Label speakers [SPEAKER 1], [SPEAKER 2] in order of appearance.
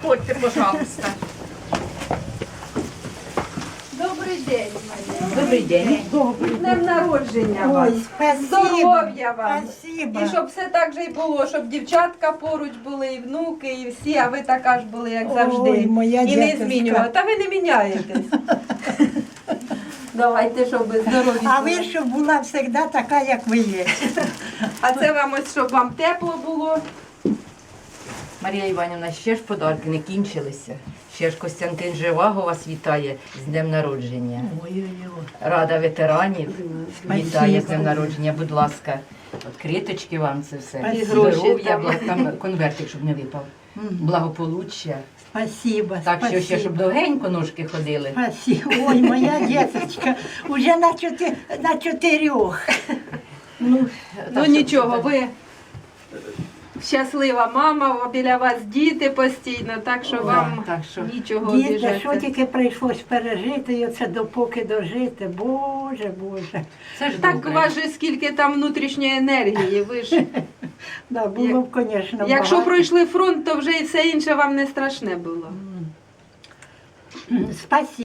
[SPEAKER 1] Заходьте, пожалуйста.
[SPEAKER 2] Добрий день, Марія.
[SPEAKER 1] Добрий день.
[SPEAKER 2] З днем народження вас.
[SPEAKER 3] Ой, спасибо.
[SPEAKER 2] Здоров'я вам.
[SPEAKER 3] Спасибо.
[SPEAKER 2] І щоб все так же і було, щоб дівчатка поруч були, і внуки, і всі, а ви така ж були, як завжди.
[SPEAKER 3] Ой, моя
[SPEAKER 2] і не
[SPEAKER 3] діточка.
[SPEAKER 2] змінювали. Та ви не міняєтесь. Давайте, щоб ви здорові
[SPEAKER 3] А
[SPEAKER 2] були.
[SPEAKER 3] ви, щоб була завжди така, як ви є.
[SPEAKER 2] А це вам ось, щоб вам тепло було.
[SPEAKER 1] Марія Іванівна, ще ж подарки не кінчилися. Ще ж Костянтин Живаго вас вітає з днем народження.
[SPEAKER 3] Ой-ой-ой.
[SPEAKER 1] Рада ветеранів вітає
[SPEAKER 3] Спасибо.
[SPEAKER 1] з днем народження. Будь ласка, відкриточки вам це все.
[SPEAKER 3] Спасибо.
[SPEAKER 1] Здоров'я, там конвертик, щоб не випав. Благополуччя.
[SPEAKER 3] Спасибо,
[SPEAKER 1] Так що ще,
[SPEAKER 3] спасибо.
[SPEAKER 1] щоб довгенько ножки ходили.
[SPEAKER 3] Спасибо. Ой, моя діточка, уже на чотирьох.
[SPEAKER 2] Ну
[SPEAKER 1] Так,
[SPEAKER 2] нічого,
[SPEAKER 1] щоб-
[SPEAKER 2] ви щаслива мама, біля вас діти постійно, так що вам
[SPEAKER 1] так що-
[SPEAKER 2] нічого
[SPEAKER 3] Діти, що
[SPEAKER 2] обіжати.
[SPEAKER 3] тільки прийшлось пережити, і оце допоки дожити. Боже, Боже.
[SPEAKER 1] Це ж
[SPEAKER 2] Так у
[SPEAKER 1] добре.
[SPEAKER 2] вас же скільки там внутрішньої енергії, ви ж.
[SPEAKER 3] Да, було б, звісно,
[SPEAKER 2] Якщо
[SPEAKER 3] багато.
[SPEAKER 2] пройшли фронт, то вже і все інше вам не страшне було.
[SPEAKER 3] Спасибо.